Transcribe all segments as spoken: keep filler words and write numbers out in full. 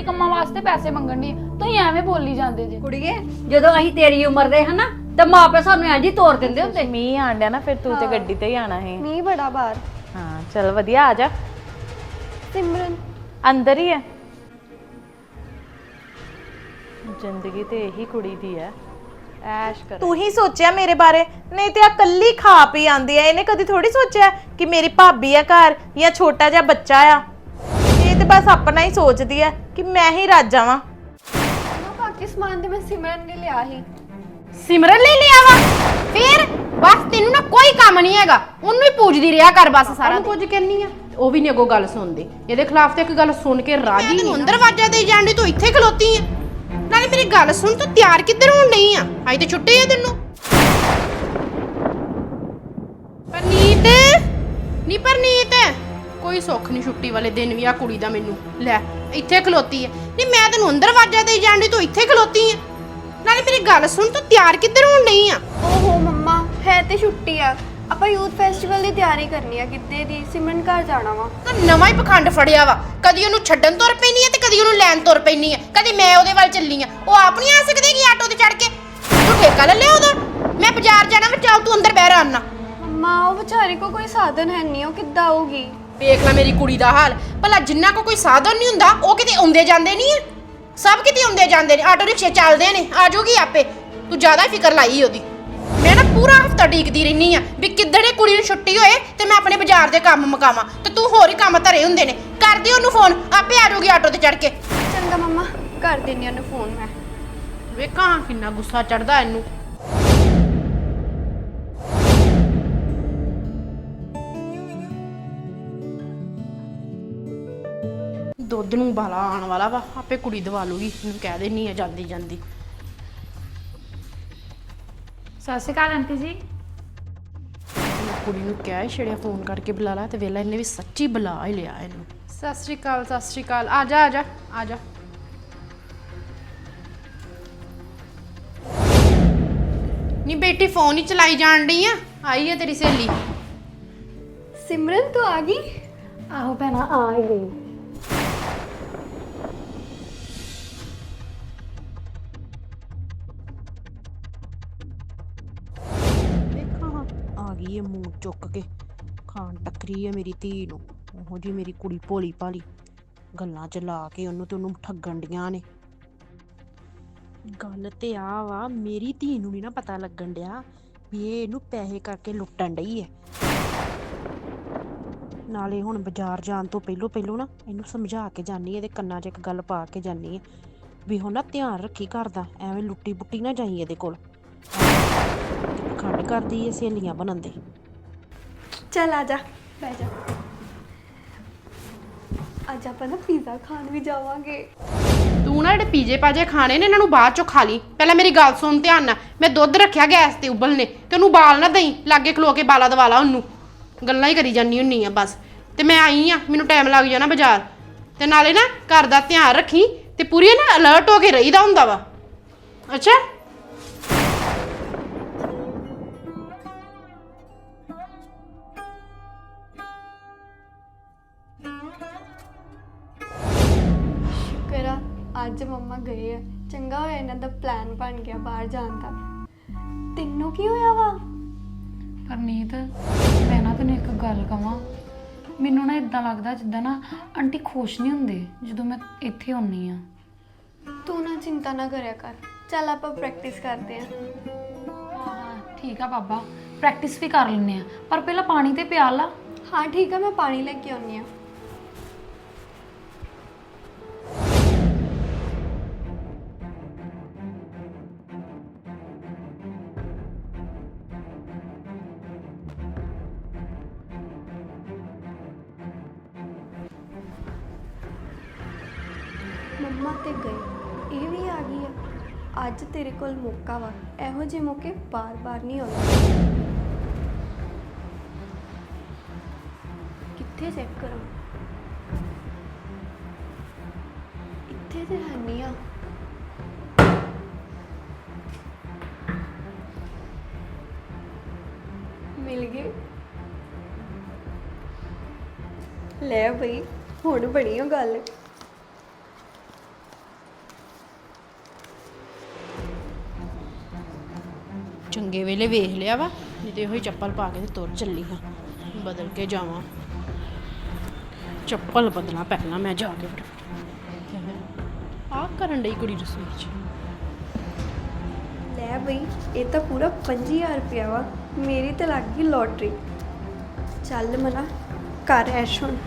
ਕੰਮਾਂ ਵਾਸਤੇ ਪੈਸੇ ਮੰਗਣ ਦੀ ਤੁਸੀਂ ਐਵੇਂ ਬੋਲੀ ਜਾਂਦੇ ਜੇ। ਕੁੜੀਏ ਜਦੋਂ ਅਸੀਂ ਤੇਰੀ ਉਮਰ ਦੇ ਹਨਾ ਤੇ ਮਾਪੇ ਸਾਨੂੰ ਇੰਜ ਹੀ ਤੋਰ ਦਿੰਦੇ ਹੁੰਦੇ। ਮੀਂਹ ਆਣ ਡਿਆ ਨਾ ਫਿਰ ਤੂੰ ਤੇ ਗੱਡੀ ਤੇ ਹੀ ਆਣਾ ਹੈ। ਮੀਂਹ ਬੜਾ ਬਾਹਰ। ਹਾਂ ਚਲ ਵਧੀਆ ਆ ਜਾ। ਸਿਮਰਨ ਅੰਦਰ ਹੀ ਹੈ। ਜ਼ਿੰਦਗੀ ਤੇ ਇਹੀ ਕੁੜੀ ਦੀ ਹੈ, ਐਸ਼ ਕਰ। ਤੂੰ ਹੀ ਸੋਚਿਆ ਮੇਰੇ ਬਾਰੇ, ਨਹੀਂ ਤੇ ਆ ਕੱਲੀ ਖਾ ਪੀ ਆਂਦੀ ਆ। ਇਹਨੇ ਕਦੀ ਥੋੜੀ ਸੋਚਿਆ ਕਿ ਮੇਰੀ ਭਾਬੀ ਆ ਘਰ ਜਾਂ ਛੋਟਾ ਜਿਹਾ ਬੱਚਾ ਆ। ਇਹ ਤੇ ਬਸ ਆਪਣਾ ਹੀ ਸੋਚਦੀ ਆ ਕਿ ਮੈਂ ਹੀ ਰੱਜ ਜਾਵਾਂ। ਬਾਕੀ ਸਮਾਨ ਤੇ ਮੈਂ ਸਿਮਰਨ ਨੇ ਲਿਆ ਸੀ। ਸਿਮਰਨ ਲਈ ਲਿਆ ਵਾ ਫਿਰ ਬਸ ਤੈਨੂੰ ਨਾ ਕੋਈ ਕੰਮ ਨਹੀਂ ਹੈਗਾ, ਉਹਨੂੰ ਹੀ ਪੂਜਦੀ ਰਿਹਾ ਕਰ ਬਸ ਸਾਰਾ। ਕੁਝ ਕਹਿਨੀ ਆ ਉਹ ਵੀ ਨਹੀਂ ਅੱਗੋਂ ਗੱਲ ਸੁਣਦੇ। ਇਹਦੇ ਖਿਲਾਫ ਤੇ ਇੱਕ ਗੱਲ ਸੁਣ ਕੇ ਰਾਜੀ ਨਹੀਂ। ਅੰਦਰ ਵਾਜਾ ਦੇਈ ਜਾਂਦੀ ਤੂੰ ਇੱਥੇ ਖਲੋਤੀ ਆ। ਨਾਲੇ ਮੇਰੀ ਗੱਲ ਸੁਣ, ਤੂੰ ਤਿਆਰ ਕਿੱਧਰ ਹੋਣ ਨਹੀਂ ਆ? ਅੱਜ ਤੇ ਛੁੱਟੀ ਆ ਤੈਨੂੰ। ਪਰਨੀਤ ਨੀ ਪਰਨੀਤ ਕੋਈ ਸੁੱਖ ਨਹੀਂ ਛੁੱਟੀ ਵਾਲੇ ਦਿਨ ਵੀ ਆ ਕੁੜੀ ਦਾ। ਮੈਨੂੰ ਲੈ ਇੱਥੇ ਖਲੋਤੀ ਐ। ਨਹੀਂ ਮੈਂ ਤੈਨੂੰ ਅੰਦਰ ਵਾਜਾ ਦੇਈ ਜਾਂਦੀ ਤੂੰ ਇੱਥੇ ਖਲੋਤੀ ਆ। ਨਾਲੇ ਮੇਰੀ ਗੱਲ ਸੁਣ, ਤੂੰ ਤਿਆਰ ਕਿੱਧਰ ਹੋਣ ਨਹੀਂ ਆ? ਓਹੋ ਮੰਮਾ ਹੈ ਤੇ ਛੁੱਟੀ ਆ, ਆਪਾਂ ਯੂਥ ਫੈਸਟੀਵਲ ਦੀ ਤਿਆਰੀ ਕਰਨੀ ਆ ਕਿੱਤੇ ਦੀ। ਸਿਮਰਨ ਘਰ ਜਾਣਾ ਵਾ। ਤਾਂ ਨਵਾਂ ਹੀ ਪਖੰਡ ਫੜਿਆ ਵਾ। ਕਦੀ ਉਹਨੂੰ ਛੱਡਣ ਤੁਰ ਪੈਣੀ ਆ ਤੇ ਕਦੀ ਉਹਨੂੰ ਲੈਣ ਤੁਰ ਪੈਣੀ ਆ। ਕਦੀ ਮੈਂ ਉਹਦੇ ਵੱਲ ਚੱਲੀ ਆ, ਉਹ ਆਪ ਨਹੀਂ ਆ ਸਕਦੀ ਕਿ ਆਟੋ ਤੇ ਚੜ ਕੇ। ਤੂੰ ਠੇਕਾ ਲੈ ਲਿਆ ਉਹਦਾ। ਮੈਂ ਬਾਜ਼ਾਰ ਜਾਣਾ ਵਾ, ਚੱਲ ਤੂੰ ਅੰਦਰ ਬਹਿ ਰਾ ਆਨਾ। ਮੰਮਾ ਉਹ ਵਿਚਾਰੀ ਕੋ ਕੋਈ ਸਾਧਨ ਹੈ ਨਹੀਂ, ਉਹ ਕਿੱਦਾਂ ਆਊਗੀ? ਵੇਖ ਲੈ ਮੇਰੀ ਕੁੜੀ ਦਾ ਹਾਲ। ਭਲਾ ਜਿੰਨਾ ਕੋ ਕੋਈ ਸਾਧਨ ਨਹੀਂ ਹੁੰਦਾ ਉਹ ਕਿਤੇ ਆਉਂਦੇ ਜਾਂਦੇ ਨਹੀਂ ਆ। ਸਭ ਕਿਤੇ ਆਉਂਦੇ ਜਾਂਦੇ ਨੇ, ਆਟੋ ਰਿਕਸ਼ੇ ਚੱਲਦੇ ਨੇ, ਆ ਜਾਊਗੀ ਆਪੇ। ਤੂੰ ਜ਼ਿਆਦਾ ਹੀ ਫਿਕਰ ਲਾਈ ਉਹਦੀ। ਮੈਂ ਨਾ ਪੂਰਾ ਹਫਤਾ ਡੀਕਦੀ ਰਹਿਨੀ ਆ ਵੀ ਕਿੱਦਣ ਇਹ ਕੁੜੀ ਨੂੰ ਛੁੱਟੀ ਹੋਏ ਤੇ ਮੈਂ ਆਪਣੇ ਬਾਜ਼ਾਰ ਦੇ ਕੰਮ ਮੁਕਾਵਾਂ। ਤੇ ਤੂੰ ਹੋਰ ਹੀ ਕੰਮ ਧਰੇ ਹੁੰਦੇ ਨੇ। ਕਰਦੀ ਉਹਨੂੰ ਫੋਨ, ਆਪੇ ਆ ਜਾਊਗੀ ਆਟੋ ਤੇ ਚੜ ਕੇ। ਚੰਗਾ ਮੰਮਾ ਕਰ ਦਿੰਨੀ ਉਹਨੂੰ ਫੋਨ ਮੈਂ। ਵੇਖਾਂ ਕਿੰਨਾ ਗੁੱਸਾ ਚੜਦਾ ਇਹਨੂੰ। ਦੁੱਧ ਨੂੰ ਬਾਲਾ ਆਉਣ ਵਾਲਾ ਵਾ, ਆਪੇ ਕੁੜੀ ਦਵਾ ਲੂਗੀ। ਇਹਨੂੰ ਕਹਿ ਦੇਣੀ ਆ ਜਾਂਦੀ ਜਾਂਦੀ। ਸਤਿ ਸ਼੍ਰੀ ਅਕਾਲ ਆਂਟੀ ਜੀ। ਕੁੜੀ ਨੂੰ ਕਿਹਾ ਹੀ ਛੜਿਆ ਫੋਨ ਕਰਕੇ ਬੁਲਾ ਲਾ, ਤੇ ਵੇਲਾ ਇਹਨੇ ਵੀ ਸੱਚੀ ਬੁਲਾ ਹੀ ਲਿਆ ਇਹਨੂੰ। ਸਤਿ ਸ਼੍ਰੀ ਅਕਾਲ ਸਤਿ ਸ਼੍ਰੀ ਅਕਾਲ। ਆ ਜਾ ਆ ਜਾ ਆ ਜਾ। ਨੀ ਬੇਟੀ ਫੋਨ ਹੀ ਚਲਾਈ ਜਾਣ ਡਈ ਆ। ਆਈ ਹੈ ਤੇਰੀ ਸਹੇਲੀ। ਸਿਮਰਨ ਤੂੰ ਆ ਗਈ? ਆਹੋ ਭੈਣਾ ਆ ਹੀ ਗਈ। ਆ ਗਈ ਏ ਮੂੰਹ ਚੁੱਕ ਕੇ ਖਾਣ ਟੱਕਰੀ ਹੈ ਮੇਰੀ ਧੀ ਨੂੰ। ਉਹੋ ਜੀ ਮੇਰੀ ਕੁੜੀ ਭੋਲੀ ਭਾਲੀ ਗੱਲਾਂ ਚ ਲਾ ਕੇ ਉਹਨੂੰ ਤੇ ਉਹਨੂੰ ਠੱਗਣ ਡੀਆਂ ਨੇ। ਗੱਲ ਤੇ ਆ ਵਾ, ਮੇਰੀ ਧੀ ਨੂੰ ਨਹੀਂ ਨਾ ਪਤਾ ਲੱਗਣ ਡਿਆ ਵੀ ਇਹ ਇਹਨੂੰ ਪੈਸੇ ਕਰਕੇ ਲੁੱਟਣ ਡਈ ਹੈ। ਨਾਲੇ ਹੁਣ ਬਾਜ਼ਾਰ ਜਾਣ ਤੋਂ ਪਹਿਲੋਂ ਪਹਿਲੋਂ ਨਾ ਇਹਨੂੰ ਸਮਝਾ ਕੇ ਜਾਨੀ, ਇਹਦੇ ਕੰਨਾਂ 'ਚ ਇੱਕ ਗੱਲ ਪਾ ਕੇ ਜਾਨੀ ਹੈ ਵੀ ਹੁਣ ਨਾ ਧਿਆਨ ਰੱਖੀ ਘਰ ਦਾ, ਐਵੇਂ ਲੁੱਟੀ ਬੁੱਟੀ ਨਾ ਜਾਈ ਇਹਦੇ ਕੋਲ। ਖੰਡ ਕਰਦੀ ਏ ਸਹੇਲੀਆਂ ਬਣਨ ਦੇ। ਚੱਲ ਆ ਜਾ ਬਹਿ ਜਾ। ਅੱਜ ਆਪਾਂ ਨਾ ਪੀਜ਼ਾ ਖਾਣ ਵੀ ਜਾਵਾਂਗੇ। ਤੂੰ ਨਾ ਜਿਹੜੇ ਪੀਜੇ ਪਾਜੇ ਖਾਣੇ ਨੇ ਇਹਨਾਂ ਨੂੰ ਬਾਅਦ ਚੋਂ ਖਾ ਲਈ। ਪਹਿਲਾਂ ਮੇਰੀ ਗੱਲ ਸੁਣ ਧਿਆਨ ਨਾਲ। ਮੈਂ ਦੁੱਧ ਰੱਖਿਆ ਗੈਸ ਤੇ ਉਬਲਨੇ, ਤੇ ਉਹਨੂੰ ਬਾਲ ਨਾ ਦਈ। ਲਾਗੇ ਖਲੋ ਕੇ ਬਾਲਾ ਦਵਾ ਲਾ ਉਹਨੂੰ। ਗੱਲਾਂ ਹੀ ਕਰੀ ਜਾਂਦੀ ਹੁੰਨੀ ਆ ਬਸ। ਤੇ ਮੈਂ ਆਈ ਆ, ਮੈਨੂੰ ਟਾਈਮ ਲੱਗ ਜਾਣਾ ਬਾਜ਼ਾਰ। ਤੇ ਨਾਲੇ ਨਾ ਘਰ ਦਾ ਧਿਆਨ ਰੱਖੀ ਤੇ ਪੂਰੀ ਨਾ ਅਲਰਟ ਹੋ ਕੇ ਰਹੀਦਾ ਹੁੰਦਾ ਵਾ। ਅੱਛਾ ਕਰਾ ਅੱਜ ਮੰਮਾ ਗਏ ਆ। ਚੰਗਾ ਹੋਇਆ ਇਹਨਾਂ ਦਾ ਪਲਾਨ ਬਣ ਗਿਆ ਬਾਹਰ ਜਾਣ ਦਾ। ਤੈਨੂੰ ਕੀ ਹੋਇਆ ਵਾ? ਪਰਨੀਤ ਮੈਂ ਨਾ ਤੈਨੂੰ ਇੱਕ ਗੱਲ ਕਵਾਂ। ਮੈਨੂੰ ਨਾ ਇਦਾਂ ਲੱਗਦਾ ਜਿੱਦਾਂ ਨਾ ਆਂਟੀ ਖੁਸ਼ ਨਹੀਂ ਹੁੰਦੇ ਜਦੋਂ ਮੈਂ ਇੱਥੇ ਹੁੰਨੀ ਆ। ਤੂੰ ਨਾ ਚਿੰਤਾ ਨਾ ਕਰਿਆ ਕਰ। ਚੱਲ ਆਪਾਂ ਪ੍ਰੈਕਟਿਸ ਕਰਦੇ ਆ। ਹਾਂ ਠੀਕ ਆ ਬਾਬਾ, ਪ੍ਰੈਕਟਿਸ ਵੀ ਕਰ ਲੈਂਦੇ ਆ, ਪਰ ਪਹਿਲਾਂ ਪਾਣੀ ਤੇ ਪਿਆ ਲਾ। ਹਾਂ ਠੀਕ ਆ, ਮੈਂ ਪਾਣੀ ਲੈ ਕੇ ਆਉਣੀ ਆ। ਮੰਮਾ ਤੇ ਗਏ, ਇਹ ਵੀ ਆ ਗਈ ਆ। ਅੱਜ ਤੇਰੇ ਕੋਲ ਮੌਕਾ ਵਾ। ਇਹੋ ਜਿਹੇ ਮੌਕੇ ਬਾਰ-ਬਾਰ ਨਹੀਂ ਆਉਂਦੇ। ਕਿੱਥੇ ਚੈੱਕ ਕਰਾਂ? ਇੱਥੇ ਤੇ ਹੈ ਨਹੀਂ ਆ। ਮਿਲ ਗਏ। ਲੈ ਬਈ ਹੁਣ ਬਣੀ ਉਹ ਗੱਲ। ਚੰਗੇ ਵੇਲੇ ਵੇਖ ਲਿਆ ਵਾ, ਨਹੀਂ ਤੇ ਉਹੀ ਚੱਪਲ ਪਾ ਕੇ ਤੇ ਤੁਰ ਚੱਲੀ ਹਾਂ। ਬਦਲ ਕੇ ਜਾਵਾਂ, ਚੱਪਲ ਬਦਲਾਂ ਪਹਿਲਾਂ ਮੈਂ ਜਾ ਕੇ। ਆਹ ਕਰਨ ਡਈ ਕੁੜੀ ਰਸੋਈ 'ਚ। ਲੈ ਬਈ, ਇਹ ਤਾਂ ਪੂਰਾ ਪੰਜੀ ਹਜ਼ਾਰ ਰੁਪਇਆ ਵਾ। ਮੇਰੀ ਤਾਂ ਲੱਗ ਗਈ ਲੋਟਰੀ। ਚੱਲ ਮਨਾ ਕਰ ਐਸ਼ ਹੁਣ।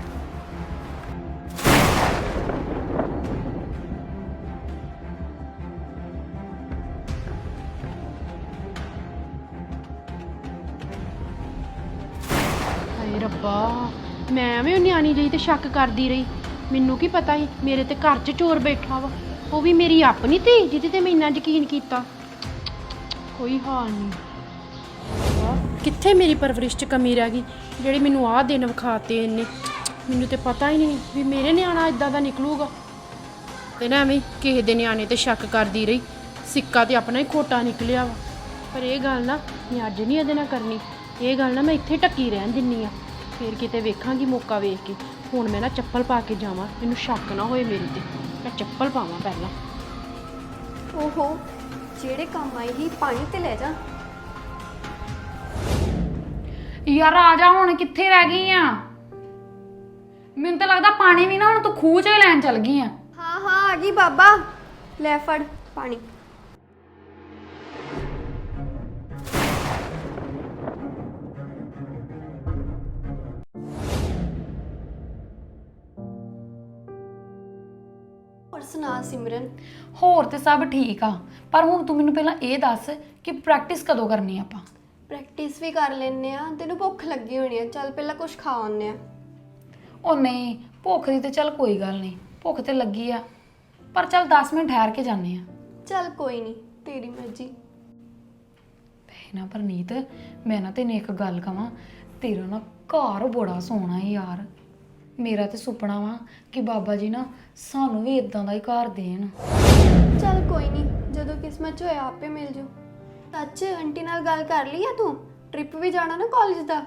ਹਾਏ ਰੱਬਾ, ਮੈਂ ਐਵੇਂ ਉਹ ਨਿਆਣੀ ਜਿਹੀ ਤੇ ਸ਼ੱਕ ਕਰਦੀ ਰਹੀ। ਮੈਨੂੰ ਕੀ ਪਤਾ ਸੀ ਮੇਰੇ ਤੇ ਘਰ 'ਚ ਚੋਰ ਬੈਠਾ ਵਾ, ਉਹ ਵੀ ਮੇਰੀ ਆਪਣੀ ਧੀ ਜਿਹਦੇ ਤੇ ਮੈਂ ਇੰਨਾ ਯਕੀਨ ਕੀਤਾ। ਕੋਈ ਹਾਲ ਨਹੀਂ। ਕਿੱਥੇ ਮੇਰੀ ਪਰਵਰਿਸ਼ 'ਚ ਕਮੀ ਰਹਿ ਗਈ ਜਿਹੜੀ ਮੈਨੂੰ ਆਹ ਦਿਨ ਵਿਖਾਤੇ ਇਹਨੇ। ਮੈਨੂੰ ਤੇ ਪਤਾ ਹੀ ਨਹੀਂ ਵੀ ਮੇਰੇ ਨਿਆਣਾ ਇਦਾਂ ਦਾ ਨਿਕਲੂਗਾ। ਤੇ ਨਾ ਐਵੇਂ ਕਿਸੇ ਦੇ ਨਿਆਣੇ ਤੇ ਸ਼ੱਕ ਕਰਦੀ ਰਹੀ। ਸਿੱਕਾ ਤੇ ਆਪਣਾ ਹੀ ਖੋਟਾ ਨਿਕਲਿਆ ਵਾ। ਪਰ ਇਹ ਗੱਲ ਨਾ ਮੈਂ ਅੱਜ ਨਹੀਂ ਇਹਦੇ ਨਾਲ ਕਰਨੀ। ਇਹ ਗੱਲ ਨਾ ਮੈਂ ਇੱਥੇ ਟੱਕੀ ਰਹਿਣ ਦਿੰਨੀ ਆ, ਫਿਰ ਕਿਤੇ ਵੇਖਾਂਗੀ ਮੌਕਾ ਵੇਖ ਕੇ। ਹੁਣ ਮੈਂ ਨਾ ਚੱਪਲ ਪਾ ਕੇ ਜਾਵਾਂ, ਮੈਨੂੰ ਸ਼ੱਕ ਨਾ ਹੋਏ ਮੇਰੇ ਤੇ। ਮੈਂ ਚੱਪਲ ਪਾਵਾਂ ਪਹਿਲਾਂ। ਓਹੋ, ਜਿਹੜੇ ਕੰਮ ਆਈ ਹੀ ਪਾਣੀ ਤੇ ਲੈ ਜਾ। ਯਾਰ ਆ ਜਾ, ਹੁਣ ਕਿੱਥੇ ਰਹਿ ਗਈ ਆ? ਮੈਨੂੰ ਤਾਂ ਲੱਗਦਾ ਪਾਣੀ ਵੀ ਨਾ ਹੁਣ ਤੂੰ ਖੂਹ 'ਚ ਹੀ ਲੈਣ ਚੱਲ ਗਈ ਆ। ਹਾਂ ਹਾਂ ਆ ਗਈ ਬਾਬਾ, ਲੈ ਫੜ ਪਾਣੀ। ਹੋਰ ਸੁਣਾ ਸਿਮਰਨ? ਹੋਰ ਤੇ ਸਭ ਠੀਕ ਆ, ਪਰ ਹੁਣ ਤੂੰ ਮੈਨੂੰ ਪਹਿਲਾਂ ਇਹ ਦੱਸ ਕਿ ਪ੍ਰੈਕਟਿਸ ਕਦੋਂ ਕਰਨੀ ਆ ਆਪਾਂ? ਪ੍ਰੈਕਟਿਸ ਵੀ ਕਰ ਲੈਨੇ ਆ। ਤੈਨੂੰ ਭੁੱਖ ਲੱਗੀ ਹੋਣੀ ਆ, ਚੱਲ ਪਹਿਲਾਂ ਕੁਝ ਖਾ ਆਉਂਦੇ ਆ। ਉਹ ਨਹੀਂ, ਭੁੱਖ ਦੀ ਤੇ ਚੱਲ ਕੋਈ ਗੱਲ ਨਹੀਂ, ਭੁੱਖ ਤੇ ਲੱਗੀ ਆ, ਪਰ ਚੱਲ ਦਸ ਮਿੰਟ ਠਹਿਰ ਕੇ ਜਾਂਦੇ ਆ। ਚੱਲ ਕੋਈ ਨਹੀਂ, ਤੇਰੀ ਮਰਜ਼ੀ। ਭੈ ਨਾ ਪਰਨੀਤ, ਮੈਂ ਨਾ ਤੈਨੂੰ ਇੱਕ ਗੱਲ ਕਵਾਂ, ਤੇਰਾ ਨਾ ਘਰ ਬੜਾ ਸੋਹਣਾ ਹੈ ਯਾਰ। ਮੇਰਾ ਤੇ ਸੁਪਨਾ ਵਾ ਕਿ ਬਾਬਾ ਜੀ ਨਾ ਸਾਨੂੰ ਵੀ ਇਦਾਂ ਦਾ ਹੀ ਘਰ ਦੇਣ। ਚੱਲ ਕੋਈ ਨਹੀਂ, ਜਦੋਂ ਕਿਸਮਤ 'ਚ ਹੋਇਆ ਆਪੇ ਮਿਲ ਜਾਊ। ਸੱਚ, ਆਂਟੀ ਨਾਲ ਗੱਲ ਕਰ ਲਈ ਆ ਤੂੰ? ਟ੍ਰਿਪ ਵੀ ਜਾਣਾ ਨਾ ਕਾਲਜ ਦਾ।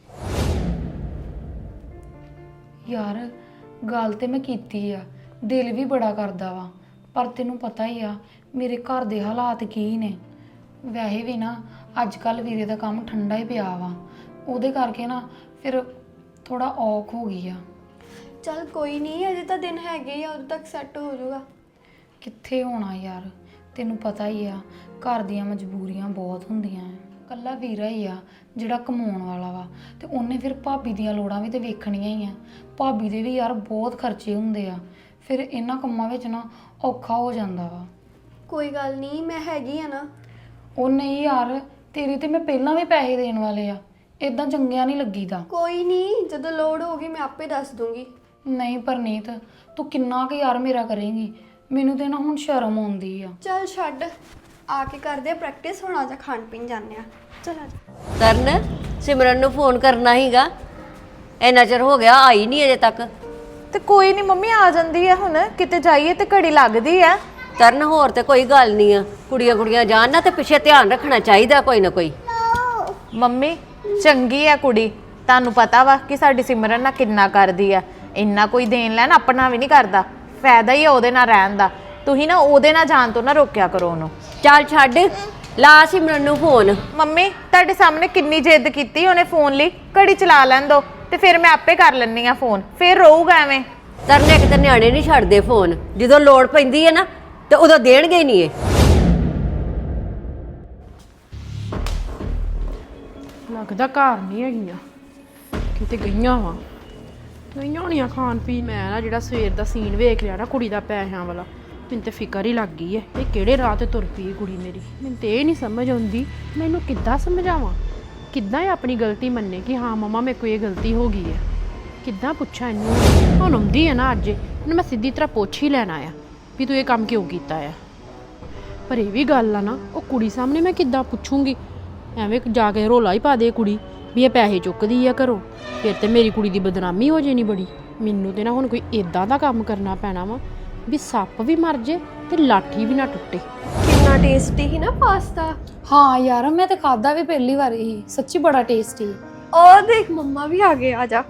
ਯਾਰ ਗੱਲ ਤੇ ਮੈਂ ਕੀਤੀ ਆ, ਦਿਲ ਵੀ ਬੜਾ ਕਰਦਾ ਵਾ, ਪਰ ਤੈਨੂੰ ਪਤਾ ਹੀ ਆ ਮੇਰੇ ਘਰ ਦੇ ਹਾਲਾਤ ਕੀ ਨੇ। ਵੈਸੇ ਵੀ ਨਾ ਅੱਜ ਕੱਲ ਵੀਰੇ ਦਾ ਕੰਮ ਠੰਡਾ ਹੀ ਪਿਆ ਵਾ, ਉਹਦੇ ਕਰਕੇ ਨਾ ਫਿਰ ਥੋੜਾ ਔਖ ਹੋ ਗਈ ਆ। ਚੱਲ ਕੋਈ ਨਹੀਂ, ਅਜੇ ਤਾਂ ਦਿਨ ਹੈਗੇ ਆ, ਉਦੋਂ ਤੱਕ ਸੈੱਟ ਹੋ ਜਾਊਗਾ। ਕਿੱਥੇ ਹੋਣਾ ਯਾਰ, ਤੈਨੂੰ ਪਤਾ ਹੀ ਆ ਘਰ ਦੀਆਂ ਮਜਬੂਰੀਆਂ ਬਹੁਤ ਹੁੰਦੀਆਂ ਐ। ਕੱਲਾ ਵੀਰਾ ਹੀ ਆ ਜਿਹੜਾ ਕਮਾਉਣ ਵਾਲਾ ਵਾ, ਤੇ ਉਹਨੇ ਫਿਰ ਭਾਬੀ ਦੀਆਂ ਲੋੜਾਂ ਵੀ ਤੇ ਵੇਖਣੀਆਂ ਹੀ ਆ। ਭਾਬੀ ਦੇ ਵੀ ਯਾਰ ਬਹੁਤ ਖਰਚੇ ਹੁੰਦੇ ਆ, ਫਿਰ ਇਹਨਾਂ ਕੰਮਾਂ ਵਿੱਚ ਨਾ ਔਖਾ ਹੋ ਜਾਂਦਾ ਵਾ। ਕੋਈ ਗੱਲ ਨਹੀਂ, ਮੈਂ ਹੈਗੀ ਆ ਨਾ। ਉਹ ਨਹੀਂ ਯਾਰ, ਤੇਰੇ ਤੇ ਮੈਂ ਪਹਿਲਾਂ ਵੀ ਪੈਸੇ ਦੇਣ ਵਾਲੇ ਆ, ਇਦਾਂ ਚੰਗਿਆ ਨਹੀਂ ਲੱਗੀਦਾ। ਕੋਈ ਨਹੀਂ, ਜਦੋਂ ਲੋੜ ਹੋਗੀ ਮੈਂ ਆਪੇ ਦੱਸ ਦੂੰਗੀ। ਨਹੀਂ ਪਰਨੀਤ, ਤੂੰ ਕਿੰਨਾ ਕੁ ਯਾਰ ਮੇਰਾ ਕਰੇਂਗੀ? ਮੈਨੂੰ ਤੇ ਨਾ ਹੁਣ ਸ਼ਰਮ ਆਉਂਦੀ ਆ। ਚੱਲ ਛੱਡ, ਆ ਕੇ ਕਰਦੇ ਆ ਪ੍ਰੈਕਟਿਸ। ਹੁਣ ਆ ਜਾ ਖਾਣ ਪੀਣ ਜਾਂਦੇ ਆ। ਚੱਲ ਆ ਜਾ। ਤਰਨ, ਸਿਮਰਨ ਨੂੰ ਫੋਨ ਕਰਨਾ ਹੀਗਾ, ਇੰਨਾ ਚਿਰ ਹੋ ਗਿਆ ਆਈ ਨਹੀਂ ਅਜੇ ਤੱਕ। ਤੇ ਕੋਈ ਨਹੀਂ ਮੰਮੀ, ਆ ਜਾਂਦੀ ਹੈ ਹੁਣ। ਕਿਤੇ ਜਾਈਏ ਤੇ ਘੜੀ ਲੱਗਦੀ ਆ। ਤਰਨ, ਹੋਰ ਤੇ ਕੋਈ ਗੱਲ ਨਹੀਂ ਆ, ਕੁੜੀਆਂ ਕੁੜੀਆਂ ਜਾਣ ਨਾ ਤੇ ਪਿੱਛੇ ਧਿਆਨ ਰੱਖਣਾ ਚਾਹੀਦਾ ਕੋਈ ਨਾ ਕੋਈ। ਮੰਮੀ ਚੰਗੀ ਆ ਕੁੜੀ, ਤੁਹਾਨੂੰ ਪਤਾ ਵਾ ਕਿ ਸਾਡੀ ਸਿਮਰਨ ਨਾਲ ਕਿੰਨਾ ਕਰਦੀ ਆ। ਇੰਨਾ ਕੋਈ ਦੇਣ ਲੈਣ ਆਪਣਾ ਵੀ ਨਹੀਂ ਕਰਦਾ, ਫਾਇਦਾ ਹੀ ਆ ਉਹਦੇ ਨਾਲ ਰਹਿਣ ਦਾ। ਤੁਸੀਂ ਨਾ ਉਹਦੇ ਨਾਲ ਜਾਣ ਤੋਂ ਨਾ ਰੋਕਿਆ ਕਰੋ ਉਹਨੂੰ। ਚੱਲ ਛੱਡ, ਲਾ ਸਿਮਰਨ ਨੂੰ ਫੋਨ। ਮੰਮੀ ਤੁਹਾਡੇ ਸਾਹਮਣੇ ਕਿੰਨੀ ਜਿੱਦ ਕੀਤੀ ਉਹਨੇ ਫੋਨ ਲਈ, ਘੜੀ ਚਲਾ ਲੈਣ ਦੋ ਤੇ ਫਿਰ ਮੈਂ ਆਪੇ ਕਰ ਲੈਣੀ ਆ ਫੋਨ, ਫਿਰ ਰਹੂਗਾ ਐਵੇਂ। ਤਰਨ, ਇੱਕ ਤੇ ਨਿਆਣੇ ਨਹੀਂ ਛੱਡਦੇ ਫੋਨ, ਜਦੋਂ ਲੋੜ ਪੈਂਦੀ ਹੈ ਨਾ ਤੇ ਉਦੋਂ ਦੇਣਗੇ ਹੀ ਨਹੀਂ ਇਹ। ਲੱਗਦਾ ਘਰ ਨਹੀਂ ਹੈਗੀਆਂ, ਕਿਤੇ ਗਈਆਂ ਵਾ। ਗਈਆਂ ਹੋਣੀਆਂ ਖਾਣ ਪੀਣ। ਮੈਂ ਨਾ ਜਿਹੜਾ ਸਵੇਰ ਦਾ ਸੀਨ ਵੇਖ ਲਿਆ ਨਾ ਕੁੜੀ ਦਾ ਪੈਸਿਆਂ ਵਾਲਾ, ਮੈਨੂੰ ਤੇ ਫਿਕਰ ਹੀ ਲੱਗ ਗਈ ਹੈ। ਇਹ ਕਿਹੜੇ ਰਾਹ ਤੇ ਤੁਰ ਪਈ ਕੁੜੀ ਮੇਰੀ। ਮੈਨੂੰ ਤੇ ਇਹ ਨਹੀਂ ਸਮਝ ਆਉਂਦੀ ਮੈਨੂੰ ਕਿੱਦਾਂ ਸਮਝਾਵਾਂ, ਕਿੱਦਾਂ ਇਹ ਆਪਣੀ ਗਲਤੀ ਮੰਨੇ ਕਿ ਹਾਂ ਮਮਾ ਮੇਰੇ ਕੋਲ ਇਹ ਗਲਤੀ ਹੋ ਗਈ ਹੈ। ਕਿੱਦਾਂ ਪੁੱਛਾਂ ਇਹਨੂੰ? ਹੁਣ ਆਉਂਦੀ ਹੈ ਨਾ ਅੱਜ, ਇਹਨੂੰ ਮੈਂ ਸਿੱਧੀ ਤਰ੍ਹਾਂ ਪੁੱਛ ਹੀ ਲੈਣਾ ਆ ਵੀ ਤੂੰ ਇਹ ਕੰਮ ਕਿਉਂ ਕੀਤਾ ਆ। ਪਰ ਇਹ ਵੀ ਗੱਲ ਆ ਨਾ, ਉਹ ਕੁੜੀ ਸਾਹਮਣੇ ਮੈਂ ਕਿੱਦਾਂ ਪੁੱਛੂੰਗੀ? ਐਵੇਂ ਜਾ ਕੇ ਰੋਲਾ ਹੀ ਪਾ ਦੇ ਕੁੜੀ ਵੀ ਇਹ ਪੈਸੇ ਚੁੱਕਦੀ ਆ ਘਰੋਂ, ਫਿਰ ਤੇ ਮੇਰੀ ਕੁੜੀ ਦੀ ਬਦਨਾਮੀ ਹੋ ਜਾਣੀ ਬੜੀ। ਮੈਨੂੰ ਤੇ ਨਾ ਹੁਣ ਕੋਈ ਇਦਾਂ ਦਾ ਕੰਮ ਕਰਨਾ ਪੈਣਾ ਵਾ ਵੀ ਸੱਪ ਵੀ ਮਰ ਜੇ ਤੇ ਲਾਠੀ ਵੀ ਨਾ ਟੁੱਟੇ। ਕਿੰਨਾ ਟੇਸਟੀ ਹੀ ਨਾ ਪਾਸਤਾ। ਹਾਂ ਯਾਰ, ਮੈਂ ਤੇ ਖਾਦਾ ਵੀ ਪਹਿਲੀ ਵਾਰ ਹੀ, ਸੱਚੀ ਬੜਾ ਟੇਸਟੀ। ਉਹ ਦੇਖ ਮੰਮਾ ਵੀ ਆ ਗਏ, ਆ ਜਾ।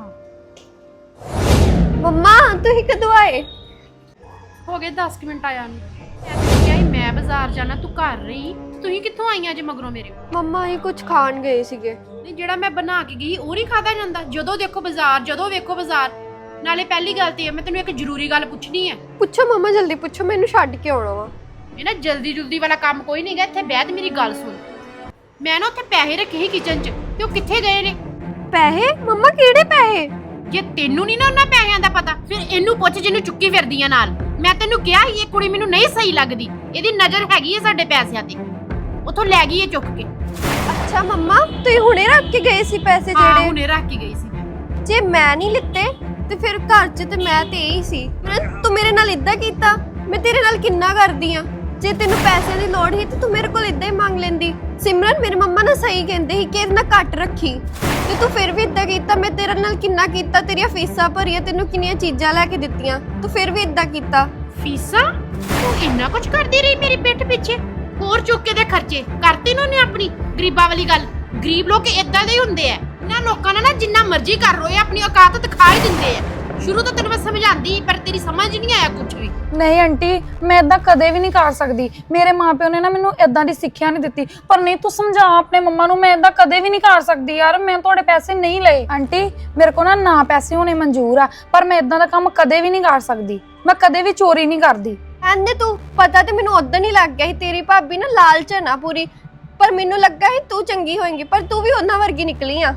ਮੰਮਾ ਤੁਸੀਂ ਕਦੋਂ ਆਏ? ਹੋ ਗਏ ਦਸ ਮਿੰਟ ਆਇਆ ਨੂੰ। ਮੈਂ ਕਿਹਾ ਸੀ ਮੈਂ ਬਾਜ਼ਾਰ ਜਾਣਾ, ਤੂੰ ਘਰ ਰਹੀ, ਤੁਸੀਂ ਕਿੱਥੋਂ ਆਈਆਂ ਜੇ ਮਗਰੋਂ ਮੇਰੇ? ਮੰਮਾ ਹੀ ਕੁਝ ਖਾਣ ਗਏ ਸੀਗੇ। ਨਹੀਂ ਜਿਹੜਾ ਮੈਂ ਬਣਾ ਕੇ ਗਈ ਉਹ ਨਹੀਂ ਖਾਦਾ ਜਾਂਦਾ? ਜਦੋਂ ਦੇਖੋ ਬਾਜ਼ਾਰ, ਜਦੋਂ ਵੇਖੋ ਬਾਜ਼ਾਰ। ਨਾਲੇ ਪਹਿਲੀ ਗੱਲ ਤੇ ਮੈਂ ਤੈਨੂੰ ਇੱਕ ਜ਼ਰੂਰੀ ਗੱਲ ਪੁੱਛਣੀ ਹੈ। ਪੁੱਛੋ ਮੰਮਾ, ਜਲਦੀ ਪੁੱਛੋ, ਮੈਨੂੰ ਛੱਡ ਕੇ ਆਉਣਾ ਵਾ। ਇਹ ਨਾ ਜਲਦੀ ਜਲਦੀ ਵਾਲਾ ਕੰਮ ਕੋਈ ਨਹੀਂ ਗਾ। ਇੱਥੇ ਬਹਿ ਤੇ ਮੇਰੀ ਗੱਲ ਸੁਣ। ਮੈਂ ਨਾ ਉੱਥੇ ਪੈਸੇ ਰੱਖੇ ਸੀ ਕਿਚਨ 'ਚ, ਤੇ ਉਹ ਕਿੱਥੇ ਗਏ ਨੇ? ਪੈਸੇ? ਮੰਮਾ ਕਿਹੜੇ ਪੈਸੇ? ਜੇ ਤੈਨੂੰ ਨਹੀਂ ਨਾ ਉਹਨਾਂ ਪੈਸਿਆਂ ਦਾ ਪਤਾ, ਫਿਰ ਇਹਨੂੰ ਪੁੱਛ ਜਿਹਨੂੰ ਚੁੱਕੀ ਫਿਰਦੀਆਂ ਨਾਲ। ਮੈਂ ਤੈਨੂੰ ਕਿਹਾ ਸੀ ਇਹ ਕੁੜੀ ਮੈਨੂੰ ਨਹੀਂ ਸਹੀ ਲੱਗਦੀ, ਇਹਦੀ ਨਜ਼ਰ ਹੈਗੀ ਹੈ ਸਾਡੇ ਪੈਸਿਆਂ ਤੇ। ਉੱਥੋਂ ਲੈ ਗਈ ਇਹ ਚੁੱਕ ਕੇ। ਅੱਛਾ ਮੰਮਾ, ਤੁਸੀਂ ਹੁਣੇ ਰੱਖ ਕੇ ਗਏ ਸੀ ਪੈਸੇ ਹਾਂ, ਜਿਹੜੇ? ਹੁਣੇ ਰੱਖ ਕੇ ਗਈ ਸੀ ਮੈਂ। ਜੇ ਮੈਂ ਨਹੀਂ ਲਿੱਤੇ ਤੇ ਫਿਰ ਘਰ 'ਚ ਤੇ ਮੈਂ ਤੇ ਇਹੀ ਸੀ। ਸਿਮਰਨ, ਤੂੰ ਮੇਰੇ ਨਾਲ ਇਦਾਂ ਕੀਤਾ? ਮੈਂ ਤੇਰੇ ਨਾਲ ਕਿੰਨਾ ਕਰਦੀ ਆ। ਜੇ ਤੈਨੂੰ ਪੈਸਿਆਂ ਦੀ ਲੋੜ ਸੀ ਤੇ ਤੂੰ ਮੇਰੇ ਕੋਲ ਇਦਾਂ ਹੀ ਮੰਗ ਲੈਂਦੀ। ਸਿਮਰਨ, ਮੇਰੇ ਮੰਮਾ ਨਾ ਸਹੀ ਕਹਿੰਦੇ ਸੀ ਕਿ ਇਹਦੇ ਨਾਲ ਘੱਟ ਰੱਖੀ, ਤੇ ਤੂੰ ਫਿਰ ਵੀ ਇਦਾਂ ਕੀਤਾ। ਮੈਂ ਤੇਰੇ ਨਾਲ ਕਿੰਨਾ ਕੀਤਾ, ਤੇਰੀਆਂ ਫੀਸਾਂ ਭਰੀਆਂ, ਤੈਨੂੰ ਕਿੰਨੀਆਂ ਚੀਜ਼ਾਂ ਲੈ ਕੇ ਦਿੱਤੀਆਂ, ਤੂੰ ਫਿਰ ਵੀ ਇਦਾਂ ਕੀਤਾ। ਫੀਸਾਂ? ਤੂੰ ਇੰਨਾ ਕੁਝ ਕਰਦੀ ਰਹੀ ਮੇਰੀ ਪਿੱਠ ਪਿੱਛੇ। ਹੋਰ ਚੁੱਕ ਕੇ ਦੇ ਖਰਚੇ ਕਰਤੇ ਨੇ ਆਪਣੀ। ਗਰੀਬਾਂ ਵਾਲੀ ਗੱਲ। ਗਰੀਬ ਲੋਕ ਇਦਾਂ ਦੇ ਹੀ ਹੁੰਦੇ ਆ। ਇਹਨਾਂ ਲੋਕਾਂ ਨਾਲ ਨਾ ਜਿੰਨਾ ਮਰਜ਼ੀ ਕਰ ਰੋਏ ਆਪਣੀ ਔਕਾਤ ਦਿਖਾ ਹੀ ਦਿੰਦੇ ਆ। ਸ਼ੁਰੂ ਤੋਂ ਤੈਨੂੰ ਮੈਂ ਸਮਝਾਉਂਦੀ, ਪਰ ਤੇਰੀ ਸਮਝ ਨਹੀਂ ਆਇਆ ਕੁਝ ਵੀ। ਨਹੀਂ ਆਂਟੀ, ਮੈਂ ਇਦਾਂ ਕਦੇ ਵੀ ਨਹੀਂ ਕਰ ਸਕਦੀ। ਮੇਰੇ ਮਾਪਿਓ ਨੇ ਨਾ ਮੈਨੂੰ ਇਦਾਂ ਦੀ ਸਿੱਖਿਆ ਨਹੀਂ ਦਿੱਤੀ। ਪਰ ਨਹੀਂ, ਤੂੰ ਸਮਝਾ ਆਪਣੇ ਮੰਮਾ ਨੂੰ, ਮੈਂ ਇਦਾਂ ਕਦੇ ਵੀ ਨਹੀਂ ਕਰ ਸਕਦੀ ਯਾਰ। ਮੈਂ ਤੁਹਾਡੇ ਪੈਸੇ ਨਹੀਂ ਲਏ ਆਂਟੀ। ਮੇਰੇ ਕੋਲ ਨਾ ਨਾ ਪੈਸੇ ਹੋਣੇ ਮਨਜ਼ੂਰ ਆ, ਪਰ ਮੈਂ ਇਦਾਂ ਦਾ ਕੰਮ ਕਦੇ ਵੀ ਨਹੀਂ ਕਰ ਸਕਦੀ। ਮੈਂ ਕਦੇ ਵੀ ਚੋਰੀ ਨਹੀਂ ਕਰਦੀ। ਐਂਦੇ ਤੂੰ ਪਤਾ ਤੇ ਮੈਨੂੰ ਉਦੋਂ ਹੀ ਲੱਗ ਗਿਆ ਸੀ ਤੇਰੀ ਭਾਬੀ ਨਾ ਲਾਲਚ ਹੈ ਨਾ ਪੂਰੀ। ਪਰ ਮੈਨੂੰ ਲੱਗਾ ਸੀ ਤੂੰ ਚੰਗੀ ਹੋਏਂਗੀ, ਪਰ ਤੂੰ ਵੀ ਉਹਨਾਂ ਵਰਗੀ ਨਿਕਲੀ ਆ।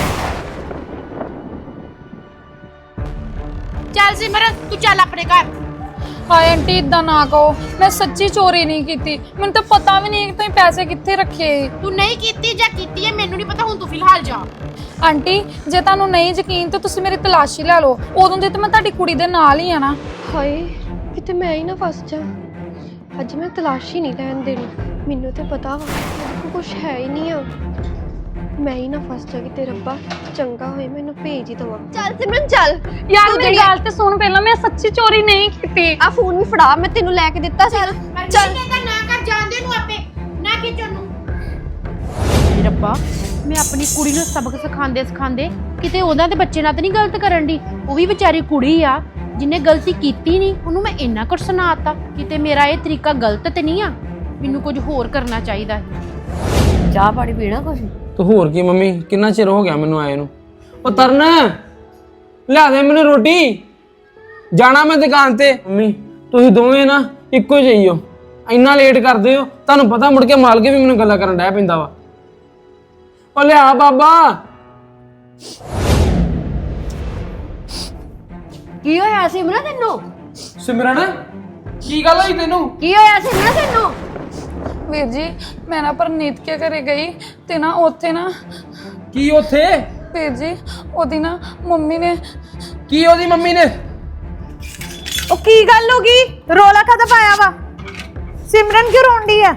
ਚੱਲ ਸਿਮਰਨ, ਤੂੰ ਚੱਲ ਆਪਣੇ ਘਰ। ਹਾਏ ਆਂਟੀ, ਇਦਾਂ ਨਾ ਕਹੋ। ਮੈਂ ਸੱਚੀ ਚੋਰੀ ਨਹੀਂ ਕੀਤੀ। ਮੈਨੂੰ ਤਾਂ ਪਤਾ ਵੀ ਨਹੀਂ ਕਿ ਤੁਸੀਂ ਪੈਸੇ ਕਿੱਥੇ ਰੱਖੇ। ਤੂੰ ਨਹੀਂ ਕੀਤੀ ਜਾਂ ਕੀਤੀ ਹੈ ਮੈਨੂੰ ਨਹੀਂ ਪਤਾ। ਹੁਣ ਤੂੰ ਫਿਲਹਾਲ ਜਾ। ਆਂਟੀ, ਜੇ ਤੁਹਾਨੂੰ ਨਹੀਂ ਯਕੀਨ ਤਾਂ ਤੁਸੀਂ ਮੇਰੀ ਤਲਾਸ਼ੀ ਲੈ ਲਓ। ਉਦੋਂ ਦੀ ਤਾਂ ਮੈਂ ਤੁਹਾਡੀ ਕੁੜੀ ਦੇ ਨਾਲ ਹੀ ਆ ਨਾ। ਹਾਏ, ਕਿਤੇ ਮੈਂ ਹੀ ਨਾ ਫਸ ਜਾ। ਅੱਜ ਮੈਂ ਤਲਾਸ਼ੀ ਨਹੀਂ ਲੈਣ ਦੇਣੀ। ਮੈਨੂੰ ਤੇ ਪਤਾ ਵਾ ਮੇਰੇ ਕੋਲ ਕੁਝ ਹੈ ਹੀ ਨਹੀਂ ਆ। ਮੈਂ ਹੀ ਨਾ ਫਸ ਜਾ ਕਿ ਰੱਬਾ ਚੰਗਾ ਹੋਏ ਮੈਨੂੰ ਭੇਜ ਹੀ ਦਵਾ। ਚੱਲ ਸਿਮਰਨ ਚੱਲ। ਯਾਰ ਮੇਰੀ ਗੱਲ ਤੇ ਸੁਣ ਪਹਿਲਾਂ। ਮੈਂ ਸੱਚੀ ਚੋਰੀ ਨਹੀਂ ਕੀਤੀ। ਆ ਫੋਨ ਵੀ ਫੜਾ, ਮੈਂ ਤੈਨੂੰ ਲੈ ਕੇ ਦਿੱਤਾ ਸੀ। ਚੱਲ ਨਾ ਕਰ, ਜਾਣਦੇ ਨੂੰ ਆਪੇ ਨਾ ਖਿੱਚਣ ਨੂੰ। ਰੱਬਾ, ਮੈਂ ਆਪਣੀ ਕੁੜੀ ਨੂੰ ਸਬਕ ਸਿਖਾਉਂਦੇ ਸਿਖਾਉਂਦੇ ਕਿਤੇ ਉਹਨਾਂ ਦੇ ਬੱਚੇ ਨਾਲ ਤਾਂ ਨਹੀਂ ਗਲਤ ਕਰਨ ਦੀ। ਉਹ ਵੀ ਵਿਚਾਰੀ ਕੁੜੀ ਆ ਜਿਹਨੇ ਗਲਤੀ ਕੀਤੀ ਨਹੀਂ, ਉਹਨੂੰ ਮੈਂ ਇੰਨਾ ਕੁਝ ਸੁਣਾਤਾ। ਕਿਤੇ ਮੇਰਾ ਇਹ ਤਰੀਕਾ ਗਲਤ ਤੇ ਨਹੀਂ ਆ? ਮੈਨੂੰ ਕੁਝ ਹੋਰ ਕਰਨਾ ਚਾਹੀਦਾ ਹੈ। ਚਾਹ ਪਾਣੀ ਪੀਣਾ ਕੁਛ? ਤੂੰ ਹੋਰ ਕੀ ਮੰਮੀ, ਕਿੰਨਾ ਚਿਰ ਹੋ ਗਿਆ ਮੈਨੂੰ ਆਏ ਨੂੰ। ਉਹ ਤਰਨ, ਲਿਆ ਦੇ ਮੈਨੂੰ ਰੋਟੀ, ਜਾਣਾ ਮੈਂ ਦੁਕਾਨ ਤੇ। ਮੰਮੀ ਤੁਸੀਂ ਦੋਵੇਂ ਨਾ ਇੱਕੋ ਜਿਹੀ ਹੋ, ਇੰਨਾ ਲੇਟ ਕਰਦੇ ਹੋ। ਤੁਹਾਨੂੰ ਪਤਾ ਮੁੜ ਕੇ ਮਾਲਕ ਵੀ ਮੈਨੂੰ ਗੱਲਾਂ ਕਰਨ ਡਿਆ ਪੈਂਦਾ ਵਾ। ਉਹ ਲਿਆ ਬਾਬਾ। ਕੀ ਹੋਇਆ ਸਿਮਰਨ ਤੈਨੂੰ? ਸਿਮਰਨ, ਕੀ ਗੱਲ ਹੋਈ ਤੈਨੂੰ? ਕੀ ਹੋਇਆ ਸਿਮਰਨ ਤੈਨੂੰ? ਵੀਰ ਜੀ, ਮੈਂ ਨਾ ਪਰਨੀਤ ਕੇ ਘਰੇ ਗਈ ਤੇ ਨਾ ਉੱਥੇ ਨਾ। ਕੀ ਉੱਥੇ? ਵੀਰ ਜੀ, ਉਹਦੀ ਨਾ ਮੰਮੀ ਨੇ। ਕੀ ਉਹਦੀ ਮੰਮੀ ਨੇ? ਉਹ ਕੀ ਗੱਲ ਹੋ ਗਈ? ਰੋਲਾ ਕਾਹਦਾ ਪਾਇਆ ਵਾ? ਸਿਮਰਨ ਕਿਉਂ ਰੋਂਦੀ ਆ?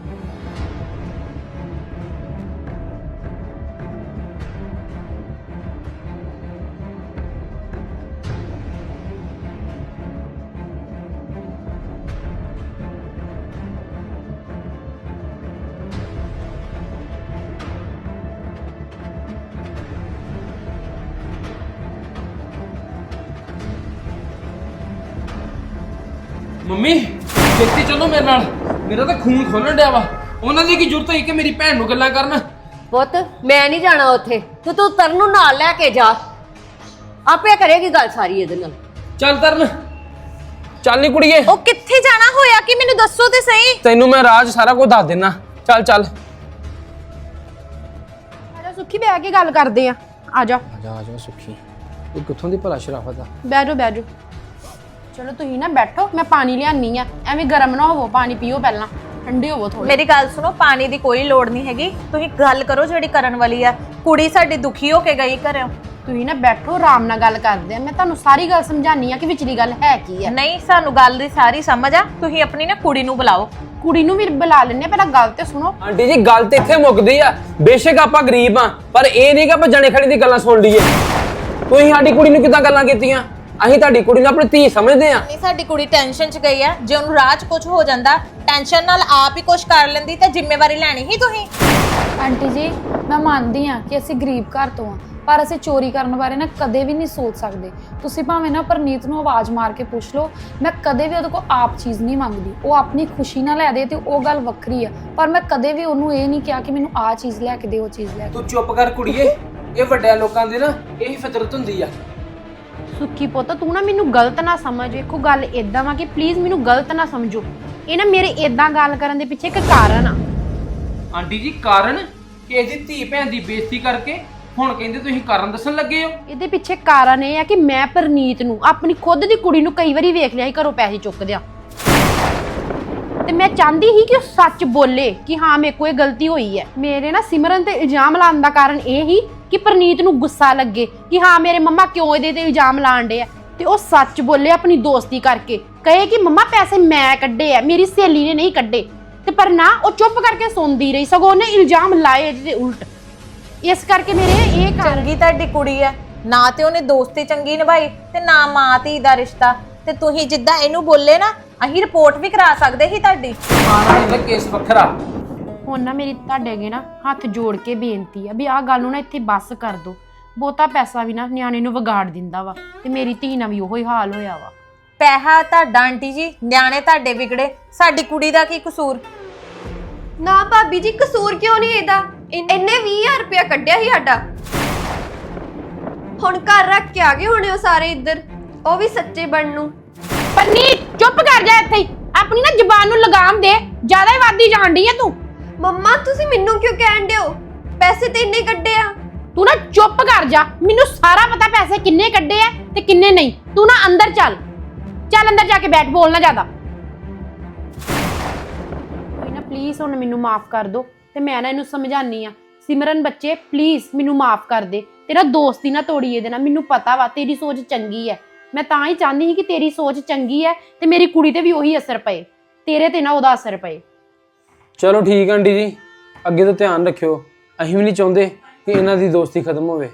ਮੰਮੀ ਛੇਤੀ ਚਲੋ ਮੇਰੇ ਨਾਲ, ਮੇਰਾ ਤਾਂ ਖੂਨ ਖੋਲਣ ਡਿਆ ਵਾ। ਉਹਨਾਂ ਦੀ ਕੀ ਜ਼ਰੂਰਤ ਹੈ ਕਿ ਮੇਰੀ ਭੈਣ ਨੂੰ ਗੱਲਾਂ ਕਰਨ? ਪੁੱਤ ਮੈਂ ਨਹੀਂ ਜਾਣਾ ਉੱਥੇ, ਤੇ ਤੂੰ ਤਰਨ ਨੂੰ ਨਾਲ ਲੈ ਕੇ ਜਾ, ਆਪੇ ਕਰੇਗੀ ਗੱਲ ਸਾਰੀ ਇਹਦੇ ਨਾਲ। ਚੱਲ ਤਰਨ, ਚੱਲ ਨੀ ਕੁੜੀਏ। ਉਹ ਕਿੱਥੇ ਜਾਣਾ ਹੋਇਆ ਕਿ ਮੈਨੂੰ ਦੱਸੋ ਤੇ ਸਹੀ। ਤੈਨੂੰ ਮੈਂ ਰਾਜ ਸਾਰਾ ਕੁਝ ਦੱਸ ਦੇਣਾ। ਚੱਲ ਚੱਲ ਆਜਾ ਸੁੱਖੀ, ਬਹਿ ਕੇ ਗੱਲ ਕਰਦੇ ਆ। ਆਜਾ ਆਜਾ ਆਜਾ ਸੁੱਖੀ, ਇਹ ਕਿੱਥੋਂ ਦੀ ਭਲਾ ਸ਼ਰਾਫਤ ਆ। ਬਹਿ ਜਾਓ ਬਹਿ ਜਾਓ। ਚਲੋ ਤੁਸੀਂ ਨਾ ਬੈਠੋ, ਮੈਂ ਪਾਣੀ ਲਿਆਨੀ ਆ। ਐਵੇਂ ਗਰਮ ਨਾ ਹੋਵੋ, ਪਾਣੀ ਪੀਓ ਪਹਿਲਾਂ, ਠੰਡੇ ਹੋਵੋ ਥੋੜੇ। ਮੇਰੀ ਗੱਲ ਸੁਣੋ, ਪਾਣੀ ਦੀ ਕੋਈ ਲੋੜ ਨਹੀਂ ਹੈਗੀ। ਤੁਸੀਂ ਗੱਲ ਕਰੋ ਜਿਹੜੀ ਕਰਨ ਵਾਲੀ ਆ। ਕੁੜੀ ਸਾਡੀ ਦੁਖੀ ਹੋ ਕੇ ਗਈ ਘਰੋਂ। ਤੁਸੀਂ ਨਾ ਬੈਠੋ, ਆਰਾਮ ਨਾਲ ਗੱਲ ਕਰਦੇ ਆ। ਮੈਂ ਤੁਹਾਨੂੰ ਸਾਰੀ ਗੱਲ ਸਮਝਾਨੀ ਆ ਕਿ ਵਿਚਲੀ ਗੱਲ ਹੈ ਕੀ ਆ। ਨਹੀਂ, ਸਾਨੂੰ ਗੱਲ ਦੀ ਸਾਰੀ ਸਮਝ ਆ। ਤੁਸੀਂ ਆਪਣੀ ਨਾ ਕੁੜੀ ਨੂੰ ਬੁਲਾਓ। ਕੁੜੀ ਨੂੰ ਵੀ ਬੁਲਾ ਲੈਣੇ, ਪਹਿਲਾਂ ਗੱਲ ਤੇ ਸੁਣੋ। ਆਂਟੀ ਜੀ, ਗੱਲ ਤੇ ਇੱਥੇ ਮੁੱਕਦੀ ਆ। ਬੇਸ਼ੱਕ ਆਪਾਂ ਗਰੀਬ ਆ, ਪਰ ਇਹ ਨਹੀਂ ਕਿ ਆਪਾਂ ਜਣੇ ਖੜੀ ਦੀ ਗੱਲਾਂ ਸੁਣ ਲਈਏ। ਤੁਸੀਂ ਸਾਡੀ ਕੁੜੀ ਨੂੰ ਕਿੱਦਾਂ ਗੱਲਾਂ ਕੀਤੀਆਂ? ਅਸੀਂ ਤੁਹਾਡੀ ਕੁੜੀ ਨੂੰ ਆਪਣੀ ਧੀ ਸਮਝਦੇ ਆ। ਨਹੀਂ, ਸਾਡੀ ਕੁੜੀ ਟੈਨਸ਼ਨ 'ਚ ਗਈ ਆ। ਜੇ ਉਹਨੂੰ ਰਾਹ 'ਚ ਕੁਝ ਹੋ ਜਾਂਦਾ, ਟੈਨਸ਼ਨ ਨਾਲ ਆਪ ਹੀ ਕੁਝ ਕਰ ਲੈਂਦੀ ਤੇ ਜ਼ਿੰਮੇਵਾਰੀ ਲੈਣੀ ਹੀ ਤੁਸੀਂ। ਆਂਟੀ ਜੀ, ਮੈਂ ਮੰਨਦੀ ਆ ਕਿ ਅਸੀਂ ਗਰੀਬ ਘਰ ਤੋਂ ਆ, ਪਰ ਅਸੀਂ ਚੋਰੀ ਕਰਨ ਬਾਰੇ ਨਾ ਕਦੇ ਵੀ ਨਹੀਂ ਸੋਚ ਸਕਦੇ। ਤੁਸੀਂ ਭਾਵੇਂ ਨਾ ਪਰਨੀਤ ਨੂੰ ਆਵਾਜ਼ ਮਾਰ ਕੇ ਪੁੱਛ ਲਓ, ਮੈਂ ਕਦੇ ਵੀ ਉਹਦੇ ਕੋਲ ਆਪ ਚੀਜ਼ ਨਹੀਂ ਮੰਗਦੀ। ਉਹ ਆਪਣੀ ਖੁਸ਼ੀ ਨਾਲ ਲੈ ਦੇ ਤੇ ਉਹ ਗੱਲ ਵੱਖਰੀ ਆ, ਪਰ ਮੈਂ ਕਦੇ ਵੀ ਉਹਨੂੰ ਇਹ ਨਹੀਂ ਕਿਹਾ ਕਿ ਮੈਨੂੰ ਆਹ ਚੀਜ਼ ਲੈ ਕੇ ਦੇ, ਉਹ ਚੀਜ਼ ਲੈ ਕੇ। ਤੂੰ ਚੁੱਪ ਕਰ ਕੁੜੀਏ, ਇਹ ਵੱਡਿਆਂ ਲੋਕਾਂ ਦੀ ਨਾ ਇਹੀ ਫਿਤਰਤ ਹੁੰਦੀ ਆ। ਸੁੱਖੀ ਪੁੱਤ ਤੂੰ ਨਾ ਮੈਨੂੰ ਗਲਤ ਨਾ ਸਮਝ। ਵੇਖੋ ਗੱਲ ਇਦਾਂ ਵਾ ਕਿ ਪਲੀਜ਼ ਮੈਨੂੰ ਗਲਤ ਨਾ ਸਮਝੋ। ਇਹ ਨਾ ਮੇਰੇ ਇਦਾਂ ਗੱਲ ਕਰਨ ਦੇ ਪਿੱਛੇ ਇੱਕ ਕਾਰਨ ਆ। ਆਂਟੀ ਜੀ ਕਾਰਨ ਕਿ ਇਹਦੀ ਧੀ ਭੈਣ ਦੀ ਬੇਇੱਜ਼ਤੀ ਕਰਕੇ ਹੁਣ ਕਹਿੰਦੇ ਤੁਸੀਂ ਕਾਰਨ ਦੱਸਣ ਲੱਗੇ ਹੋ? ਇਹਦੇ ਪਿੱਛੇ ਕਾਰਨ ਇਹ ਆ ਕਿ ਮੈਂ ਪਰਨੀਤ ਨੂੰ ਆਪਣੀ ਖੁਦ ਦੀ ਕੁੜੀ ਨੂੰ ਕਈ ਵਾਰੀ ਵੇਖ ਲਿਆ ਸੀ ਘਰੋਂ ਪੈਸੇ ਚੁੱਕਦਿਆਂ, ਤੇ ਮੈਂ ਚਾਹੁੰਦੀ ਸੀ ਕਿ ਉਹ ਸੱਚ ਬੋਲੇ ਕਿ ਹਾਂ ਮੇਰੇ ਕੋਲ ਇਹ ਗਲਤੀ ਹੋਈ ਹੈ। ਮੇਰੇ ਨਾ ਸਿਮਰਨ ਤੇ ਇਲਜ਼ਾਮ ਲਾਉਣ ਦਾ ਕਾਰਨ ਇਹ ਹੀ ਕਿ ਪਰਨੀਤ ਨੂੰ ਗੁੱਸਾ ਲੱਗੇ ਕਿ ਹਾਂ ਮੇਰੇ ਮੰਮਾ ਕਿਉਂ ਇਹਦੇ ਤੇ ਇਲਜ਼ਾਮ ਲਾਣ ਡੇ ਆ, ਤੇ ਉਹ ਸੱਚ ਬੋਲੇ ਆਪਣੀ ਦੋਸਤੀ ਕਰਕੇ, ਕਹੇ ਕਿ ਮੰਮਾ ਪੈਸੇ ਮੈਂ ਕੱਢੇ ਆ, ਮੇਰੀ ਸਹੇਲੀ ਨੇ ਨਹੀਂ ਕੱਢੇ। ਤੇ ਪਰ ਨਾ, ਉਹ ਚੁੱਪ ਕਰਕੇ ਸੁਣਦੀ ਰਹੀ, ਸਗੋਂ ਉਹਨੇ ਇਲਜ਼ਾਮ ਲਾਏ ਇਹਦੇ ਉਲਟ। ਇਸ ਕਰਕੇ ਮੇਰੇ ਇਹ ਕਾਰਨ। ਚੰਗੀ ਤੁਹਾਡੀ ਕੁੜੀ ਆ, ਨਾ ਤੇ ਉਹਨੇ ਦੋਸਤੀ ਚੰਗੀ ਨਿਭਾਈ ਤੇ ਨਾ ਮਾਂ ਧੀ ਦਾ ਰਿਸ਼ਤਾ। ਤੇ ਤੁਸੀਂ ਜਿੱਦਾਂ ਇਹਨੂੰ ਬੋਲੇ ਨਾ, ਅਸੀਂ ਰਿਪੋਰਟ ਵੀ ਕਰਾ ਸਕਦੇ ਸੀ ਤੁਹਾਡੀ। ਆਣਾ ਇਹਦਾ ਕੇਸ ਵੱਖਰਾ। ਹੁਣ ਨਾ ਮੇਰੀ ਤੁਹਾਡੇ ਅੱਗੇ ਨਾ ਹੱਥ ਜੋੜ ਕੇ ਬੇਨਤੀ ਆ ਵੀ ਆਹ ਗੱਲ ਨੂੰ ਨਾ ਇੱਥੇ ਬੱਸ ਕਰ ਦੋ। ਬਹੁਤਾ ਪੈਸਾ ਵੀ ਨਾ ਨਿਆਣੇ ਨੂੰ ਵਿਗਾੜ ਦਿੰਦਾ ਵਾ, ਤੇ ਮੇਰੀ ਧੀ ਨਾਲ ਵੀ ਉਹੋ ਹੀ ਹਾਲ ਹੋਇਆ ਵਾ। ਪੈਸਾ ਤੁਹਾਡਾ ਆਂਟੀ ਜੀ, ਨਿਆਣੇ ਤੁਹਾਡੇ ਵਿਗੜੇ, ਸਾਡੀ ਕੁੜੀ ਦਾ ਕੀ ਕਸੂਰ? ਨਾ ਭਾਬੀ ਜੀ, ਕਸੂਰ ਕਿਉਂ ਨਹੀਂ ਇਹਦਾ? ਇਹਨੇ ਵੀਹ ਹਜ਼ਾਰ ਰੁਪਇਆ ਕੱਢਿਆ ਸੀ ਸਾਡਾ, ਹੁਣ ਘਰ ਰੱਖ ਕੇ ਆ ਗਏ ਹੋਣੇ ਉਹ ਸਾਰੇ ਇੱਧਰ, ਉਹ ਵੀ ਸੱਚੇ ਬਣਨ ਨੂੰ। ਪਰਨੀਤ ਚੁੱਪ ਕਰ ਜਾ ਇੱਥੇ ਹੀ, ਆਪਣੀ ਨਾ ਜ਼ੁਬਾਨ ਨੂੰ ਲਗਾਮ ਦੇ, ਜ਼ਿਆਦਾ ਹੀ ਵਾਦੀ ਜਾਣ ਡਈ ਆ ਤੂੰ। ਮੰਮਾ ਤੁਸੀਂ ਮੈਨੂੰ ਕਿਉਂ ਕਹਿਣ ਦਿਓ? ਪੈਸੇ ਤੇ ਇੰਨੇ ਕੱਢੇ ਆ। ਤੂੰ ਨਾ ਚੁੱਪ ਕਰ ਜਾ, ਮੈਨੂੰ ਸਾਰਾ ਪਤਾ ਪੈਸੇ ਕਿੰਨੇ ਕੱਢੇ ਆ ਤੇ ਕਿੰਨੇ ਨਹੀਂ। ਤੂੰ ਨਾ ਅੰਦਰ ਚੱਲ, ਚੱਲ ਅੰਦਰ ਜਾ ਕੇ ਬੈਠ, ਬੋਲਣਾ ਜ਼ਿਆਦਾ। ਕੋਈ ਨਾ ਪਲੀਜ਼ ਹੁਣ ਮੈਨੂੰ ਮਾਫ ਕਰ ਦੋ, ਤੇ ਮੈਂ ਨਾ ਇਹਨੂੰ ਸਮਝਾਨੀ ਆ। ਸਿਮਰਨ ਬੱਚੇ ਪਲੀਜ਼ ਮੈਨੂੰ ਮਾਫ ਕਰ ਦੇ, ਤੇਰਾ ਦੋਸਤੀ ਨਾ ਤੋੜੀ ਇਹਦੇ ਨਾਲ। ਮੈਨੂੰ ਪਤਾ ਵਾ ਤੇਰੀ ਸੋਚ ਚੰਗੀ ਹੈ, ਮੈਂ ਤਾਂ ਹੀ ਚਾਹੁੰਦੀ ਸੀ ਕਿ ਤੇਰੀ ਸੋਚ ਚੰਗੀ ਹੈ ਤੇ ਮੇਰੀ ਕੁੜੀ ਤੇ ਵੀ ਉਹੀ ਅਸਰ ਪਏ, ਤੇਰੇ ਤੇ ਨਾ ਉਹਦਾ ਅਸਰ ਪਏ। ਚਲੋ ਠੀਕ ਆਂਟੀ ਜੀ, ਅੱਗੇ ਤੋਂ ਧਿਆਨ ਰੱਖਿਓ। ਅਸੀਂ ਵੀ ਨਹੀਂ ਚਾਹੁੰਦੇ ਕਿ ਇਹਨਾਂ ਦੀ ਦੋਸਤੀ ਖਤਮ ਹੋਵੇ।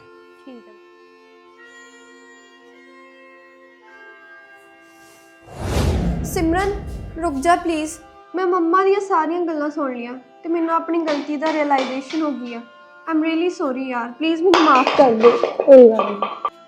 ਸਿਮਰਨ ਰੁਕ ਜਾ ਪਲੀਜ਼। ਮੈਂ ਮੰਮਾ ਦੀਆਂ ਸਾਰੀਆਂ ਗੱਲਾਂ ਸੁਣ ਲੀਆਂ ਤੇ ਮੈਨੂੰ ਆਪਣੀ ਗਲਤੀ ਦਾ ਰਿਅਲਾਈਜੇਸ਼ਨ ਹੋ ਗਈ ਆ। ਆਮ ਰੀਲੀ ਸੌਰੀ ਯਾਰ, ਪਲੀਜ਼ ਮੈਨੂੰ ਮਾਫ ਕਰ ਦਿਓ। ਕੋਈ ਗੱਲ ਨਹੀਂ।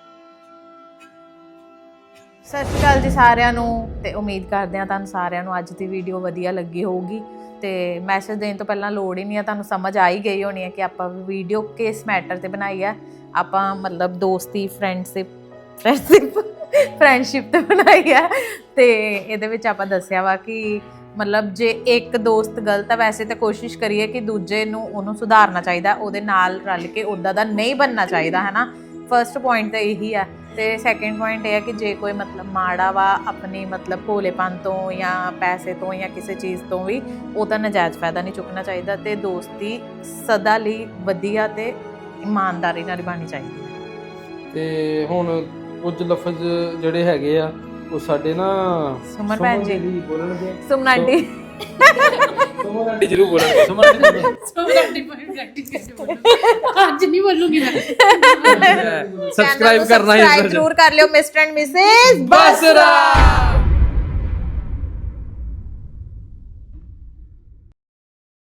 ਸਤਿ ਸ਼੍ਰੀ ਅਕਾਲ ਜੀ ਸਾਰਿਆਂ ਨੂੰ, ਤੇ ਉਮੀਦ ਕਰਦੇ ਹਾਂ ਤੁਹਾਨੂੰ ਸਾਰਿਆਂ ਨੂੰ ਅੱਜ ਦੀ ਵੀਡੀਓ ਵਧੀਆ ਲੱਗੀ ਹੋਊਗੀ। ਤੇ ਮੈਸੇਜ ਦੇਣ ਤੋਂ ਪਹਿਲਾਂ ਲੋੜ ਹੀ ਨਹੀਂ ਹੈ, ਤੁਹਾਨੂੰ ਸਮਝ ਆ ਹੀ ਗਈ ਹੋਣੀ ਹੈ ਕਿ ਆਪਾਂ ਵੀਡੀਓ ਕਿਸ ਮੈਟਰ ਤੇ ਬਣਾਈ ਹੈ। ਆਪਾਂ ਮਤਲਬ ਦੋਸਤੀ, ਫਰੈਂਡਸ਼ਿਪ ਫਰੈਂਡਸ਼ਿਪ ਫਰੈਂਡਸ਼ਿਪ ਤੇ ਬਣਾਈ ਹੈ। ਤੇ ਇਹਦੇ ਵਿੱਚ ਆਪਾਂ ਦੱਸਿਆ ਵਾ ਕਿ ਮਤਲਬ ਜੇ ਇੱਕ ਦੋਸਤ ਗਲਤ ਹੈ, ਵੈਸੇ ਤਾਂ ਕੋਸ਼ਿਸ਼ ਕਰੀਏ ਕਿ ਦੂਜੇ ਨੂੰ ਉਹਨੂੰ ਸੁਧਾਰਨਾ ਚਾਹੀਦਾ, ਉਹਦੇ ਨਾਲ ਰਲ ਕੇ ਉੱਦਾਂ ਦਾ ਨਹੀਂ ਬਣਨਾ ਚਾਹੀਦਾ, ਹੈ ਨਾ। ਫਸਟ ਪੁਆਇੰਟ ਤਾਂ ਇਹੀ ਆ। ਤੇ ਸੈਕਿੰਡ ਪੁਆਇੰਟ ਇਹ ਹੈ ਕਿ ਜੇ ਕੋਈ ਮਤਲਬ ਮਾੜਾ ਵਾ ਆਪਣੀ ਮਤਲਬ ਭੋਲੇਪਨ ਤੋਂ ਜਾਂ ਪੈਸੇ ਤੋਂ ਜਾਂ ਕਿਸੇ ਚੀਜ਼ ਤੋਂ ਵੀ, ਉਹਦਾ ਨਜਾਇਜ਼ ਫਾਇਦਾ ਨਹੀਂ ਚੁੱਕਣਾ ਚਾਹੀਦਾ। ਤੇ ਦੋਸਤੀ ਸਦਾ ਲਈ ਵਧੀਆ ਤੇ ਇਮਾਨਦਾਰੀ ਨਾਲ ਨਿਭਾਉਣੀ ਚਾਹੀਦੀ ਹੈ। ਤੇ ਹੁਣ ਕੁਝ ਲਫ਼ਜ਼ ਜਿਹੜੇ ਹੈਗੇ ਆ ਉਹ ਸਾਡੇ ਨਾ ਸੁਮਨ ਭੈਣ ਜੀ ਬੋਲਣਗੇ। ਸੁਮਨ ਆਂਟੀ ਸੁਮਨ ਆਂਟੀ ਜ਼ਰੂਰ ਬੋਲਣਗੇ। Suman aunty Suman aunty practice ਕਰਕੇ ਬੋਲੋ, ਅੱਜ ਨਹੀਂ ਬੋਲੂਗੀ ਮੈਂ। ਸਬਸਕ੍ਰਾਈਬ ਕਰਨਾ ਸਬਸਕ੍ਰਾਈਬ ਜ਼ਰੂਰ ਕਰ ਲਿਓ, ਮਿਸਟਰ ਐਂਡ ਮਿਸਿਸ ਬਸਰਾ।